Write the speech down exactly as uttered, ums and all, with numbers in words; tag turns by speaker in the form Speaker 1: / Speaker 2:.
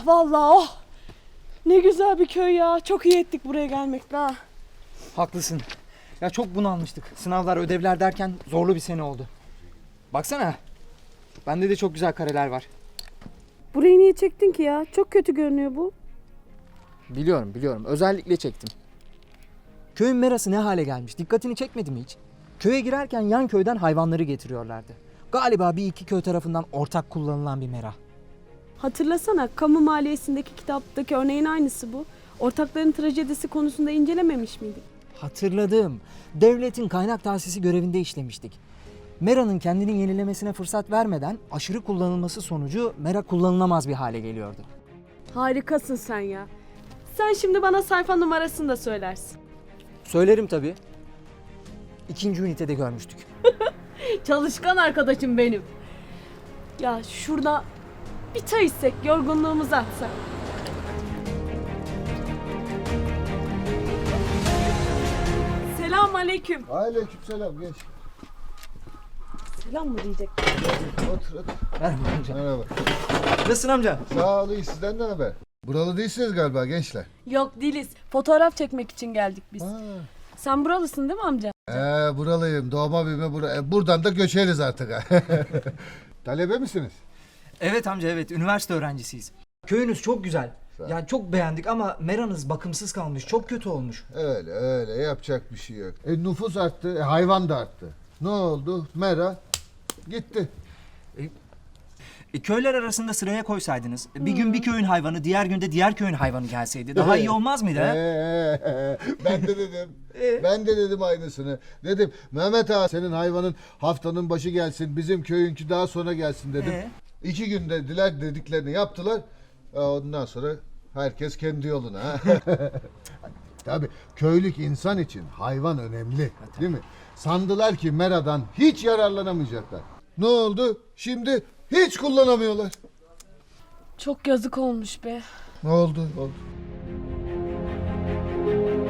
Speaker 1: Oh vallahi oh. Ne güzel bir köy ya. Çok iyi ettik buraya gelmekle ha.
Speaker 2: Haklısın. Ya çok bunalmıştık. Sınavlar, ödevler derken zorlu bir sene oldu. Baksana. Bende de çok güzel kareler var.
Speaker 1: Burayı niye çektin ki ya? Çok kötü görünüyor bu.
Speaker 2: Biliyorum biliyorum. Özellikle çektim. Köyün merası ne hale gelmiş? Dikkatini çekmedi mi hiç? Köye girerken yan köyden hayvanları getiriyorlardı. Galiba bir iki köy tarafından ortak kullanılan bir mera.
Speaker 1: Hatırlasana, kamu maliyesindeki kitaptaki örneğin aynısı bu. Ortakların trajedisi konusunda incelememiş miydik?
Speaker 2: Hatırladım. Devletin kaynak tahsisi görevinde işlemiştik. Mera'nın kendini yenilemesine fırsat vermeden aşırı kullanılması sonucu mera kullanılamaz bir hale geliyordu.
Speaker 1: Harikasın sen ya. Sen şimdi bana sayfa numarasını da söylersin.
Speaker 2: Söylerim tabii. İkinci ünitede görmüştük.
Speaker 1: Çalışkan arkadaşım benim. Ya şurada bir çay içsek, yorgunluğumuzu atsak. Selam aleyküm.
Speaker 3: Aleykümselam genç.
Speaker 1: Selam mı diyecek?
Speaker 3: Otur otur.
Speaker 2: Merhaba amca.
Speaker 3: Merhaba.
Speaker 2: Nasılsın amca?
Speaker 3: Sağ olun, sizden ne haber? Buralı değilsiniz galiba gençler.
Speaker 1: Yok değiliz. Fotoğraf çekmek için geldik biz.
Speaker 3: Ha.
Speaker 1: Sen buralısın değil mi amca?
Speaker 3: Ee, buralıyım. Doğma büyüme bura. E, buradan da göçeriz artık. Talebe misiniz?
Speaker 2: Evet amca evet. Üniversite öğrencisiyiz. Köyünüz çok güzel.
Speaker 3: Sağ ol.
Speaker 2: Yani çok beğendik ama meranız bakımsız kalmış. Çok kötü olmuş.
Speaker 3: Öyle öyle, yapacak bir şey yok. E, nüfus arttı, e, hayvan da arttı. Ne oldu? Mera gitti.
Speaker 2: E, köyler arasında sıraya koysaydınız. e, Bir gün bir köyün hayvanı, diğer günde diğer köyün hayvanı gelseydi. Daha iyi olmaz mıydı? ha?
Speaker 3: Ee, ben de dedim.
Speaker 2: Ee?
Speaker 3: Ben de dedim aynısını. Dedim Mehmet ağa, senin hayvanın haftanın başı gelsin, bizim köyünkü daha sonra gelsin dedim.
Speaker 2: Ee?
Speaker 3: İki günde diler dediklerini yaptılar. Aa, Ondan sonra herkes kendi yoluna. Tabii köylük insan için hayvan önemli, değil mi? Sandılar ki meradan hiç yararlanamayacaklar. Ne oldu? Şimdi hiç kullanamıyorlar.
Speaker 1: Çok yazık olmuş be.
Speaker 3: Ne oldu? Oldu.